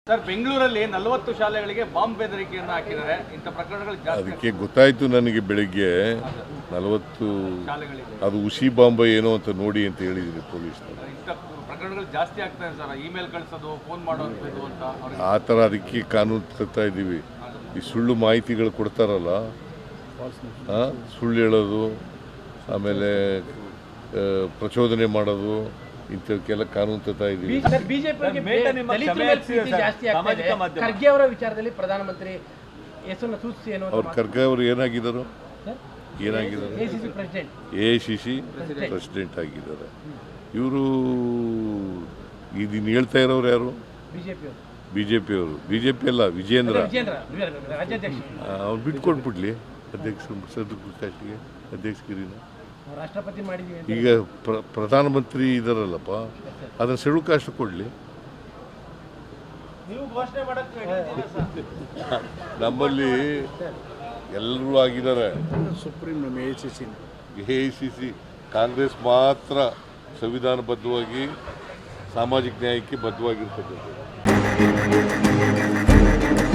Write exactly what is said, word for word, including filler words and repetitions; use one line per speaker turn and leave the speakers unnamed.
Sir, ಬೆಂಗಳೂರಲ್ಲಿ ನಲವತ್ತು ಶಾಲೆಗಳಿಗೆ ಬಾಂಬ್ ಬೆದರಿಕೆಯನ್ನು ಹಾಕಿದ್ದಾರೆ. ಇಂಥ ಪ್ರಕರಣಗಳು ಜಾಸ್ತಿ.
ಅದಕ್ಕೆ ಗೊತ್ತಾಯಿತು ನನಗೆ ಬೆಳಿಗ್ಗೆ ನಲವತ್ತು
ಶಾಲೆಗಳಿಗೆ
ಅದು ಉಸಿ ಬಾಂಬ್ ಏನೋ ಅಂತ ನೋಡಿ ಅಂತ ಹೇಳಿದ್ರು ಪೊಲೀಸರು.
ಇಂಥ ಪ್ರಕರಣಗಳು ಜಾಸ್ತಿ ಆಗ್ತದೆ ಸರ್. ಇಮೇಲ್ ಕಳಿಸೋದು, ಫೋನ್ ಮಾಡೋದು ಅಂತ ಅವ್ರಿಗೆ
ಆ ಥರ ಅದಕ್ಕೆ ಕಾನೂನು ತರ್ತಾ ಇದ್ದೀವಿ. ಈ ಸುಳ್ಳು ಮಾಹಿತಿಗಳು ಕೊಡ್ತಾರಲ್ಲ, ಆ, ಸುಳ್ಳು ಹೇಳೋದು, ಆಮೇಲೆ ಆ, ಪ್ರಚೋದನೆ ಮಾಡೋದು, ಇಂಥವಕ್ಕೆಲ್ಲ ಕಾನೂನು ತರ್ತಾ ಇದ್ದೀವಿ.
ಖರ್ಗೆ ಅವರ ವಿಚಾರದಲ್ಲಿ ಪ್ರಧಾನಮಂತ್ರಿ ಹೆಸರನ್ನು ಸೂಚಿಸಿ ಏನೋ
ಅವ್ರು ಖರ್ಗೆ ಅವರು ಏನಾಗಿದ್ದಾರೆ ಏನಾಗಿದ್ದಾರೆ
ACC president
A I C C president ಆಗಿದ್ದಾರೆ. ಇವರು ಇದನ್ನು ಹೇಳ್ತಾ ಇರೋರು ಯಾರು?
ಬಿಜೆಪಿ ಅವರು
ಬಿ ಜೆ ಪಿ ಅವರು. ಬಿ ಜೆ ಪಿ ಅಲ್ಲ, ವಿಜೇಂದ್ರ.
ವಿಜೇಂದ್ರ ರಾಜ್ಯಾಧ್ಯಕ್ಷ
ಅವ್ನು ಬಿಟ್ಕೊಂಡ್ಬಿಡ್ಲಿ ಅಧ್ಯಕ್ಷ ಸದಸ್ಯರಿಗೆ ಅಧ್ಯಕ್ಷಗಿರಿನ.
ರಾಷ್ಟ್ರಪತಿ ಮಾಡಿದೀವಿ ಅಂತ
ಈಗ ಪ್ರ ಪ್ರಧಾನಮಂತ್ರಿ ಇದಾರಲ್ಲಪ್ಪ, ಅದನ್ನು ಶೆಡ್ಯೂಲ್ ಕಾಸ್ಟ್ ಕೊಡಲಿ.
ನೀವು ಘೋಷಣೆ ಮಾಡಕ್ಕೆ
ನಮ್ಮಲ್ಲಿ ಎಲ್ಲರೂ ಆಗಿದ್ದಾರೆ.
Supreme A I C C
A I C C Congress ಮಾತ್ರ ಸಂವಿಧಾನಬದ್ಧವಾಗಿ ಸಾಮಾಜಿಕ ನ್ಯಾಯಕ್ಕೆ ಬದ್ಧವಾಗಿರ್ತಕ್ಕಂಥದ್ದು.